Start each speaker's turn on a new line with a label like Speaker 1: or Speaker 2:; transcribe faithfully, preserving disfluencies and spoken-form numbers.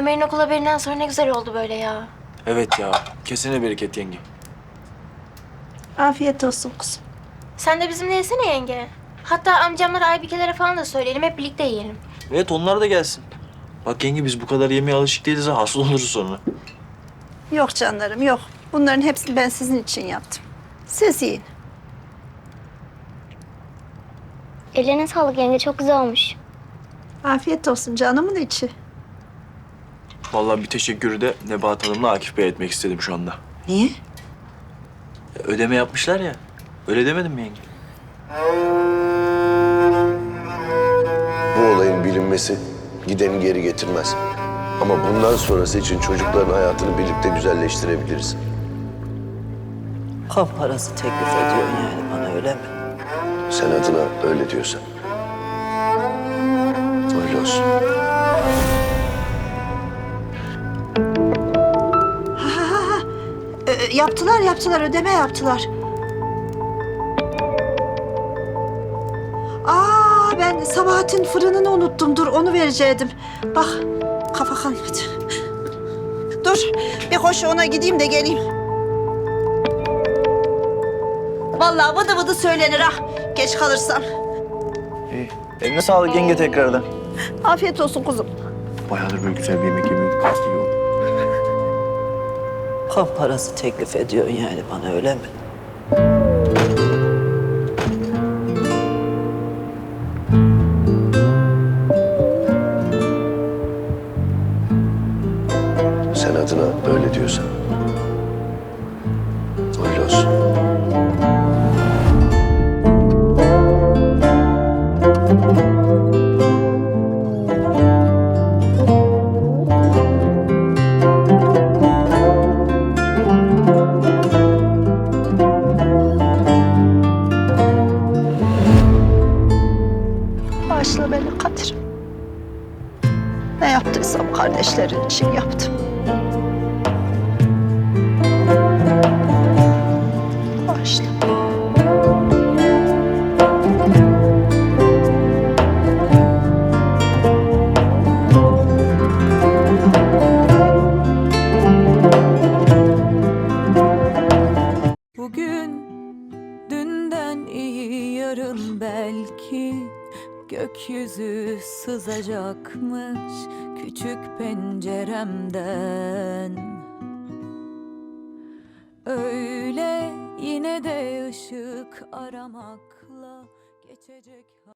Speaker 1: Ömer'in okul haberinden sonra ne güzel oldu böyle ya.
Speaker 2: Evet ya. Kesene bereket yenge.
Speaker 3: Afiyet olsun kuzum.
Speaker 1: Sen de bizimle yesene yenge. Hatta amcamlara, Aybikelere falan da söyleyelim. Hep birlikte yiyelim.
Speaker 2: Evet onlar da gelsin. Bak yenge biz bu kadar yemeğe alışık değiliz ha. Hasta oluruz sonra.
Speaker 3: Yok canlarım yok. Bunların hepsini ben sizin için yaptım. Siz yiyin.
Speaker 4: Ellerine sağlık yenge, çok güzel olmuş.
Speaker 3: Afiyet olsun canımın içi.
Speaker 2: Vallahi bir teşekkürü de Nebahat Hanım'la Akif Bey etmek istedim şu anda.
Speaker 3: Niye?
Speaker 2: E, Ödeme yapmışlar ya. Öyle demedim mi yenge?
Speaker 5: Bu olayın bilinmesi gideni geri getirmez. Ama bundan sonrası için çocukların hayatını birlikte güzelleştirebiliriz.
Speaker 6: Kan parası teklif ediyorsun yani bana, öyle mi?
Speaker 5: Sen adına öyle diyorsan. Öyle olsun.
Speaker 3: Ee, yaptılar yaptılar ödeme yaptılar. Aa ben Sabahat'in fırınını unuttum. Dur onu verecektim. Bak kafa kalmadı. Dur bir koş ona gideyim de geleyim. Vallahi vıdı vıdı söylenir ha. Geç kalırsam.
Speaker 2: İyi. Eline sağlık yenge tekrardan.
Speaker 3: Afiyet olsun kuzum.
Speaker 2: Bayağıdır böyle güzel bir yemek yemiyorduk. İyi oldu.
Speaker 6: Kan parası teklif ediyorsun yani bana, öyle mi?
Speaker 5: Sen adına öyle diyorsan. Öyle olsun.
Speaker 3: Bağışla beni Kadir'im. Ne yaptıysam kardeşlerin için yaptım. Bağışla.
Speaker 7: Bugün dünden iyi, yarın belki gökyüzü sızacakmış küçük penceremden. Öyle yine de ışık aramakla geçecek.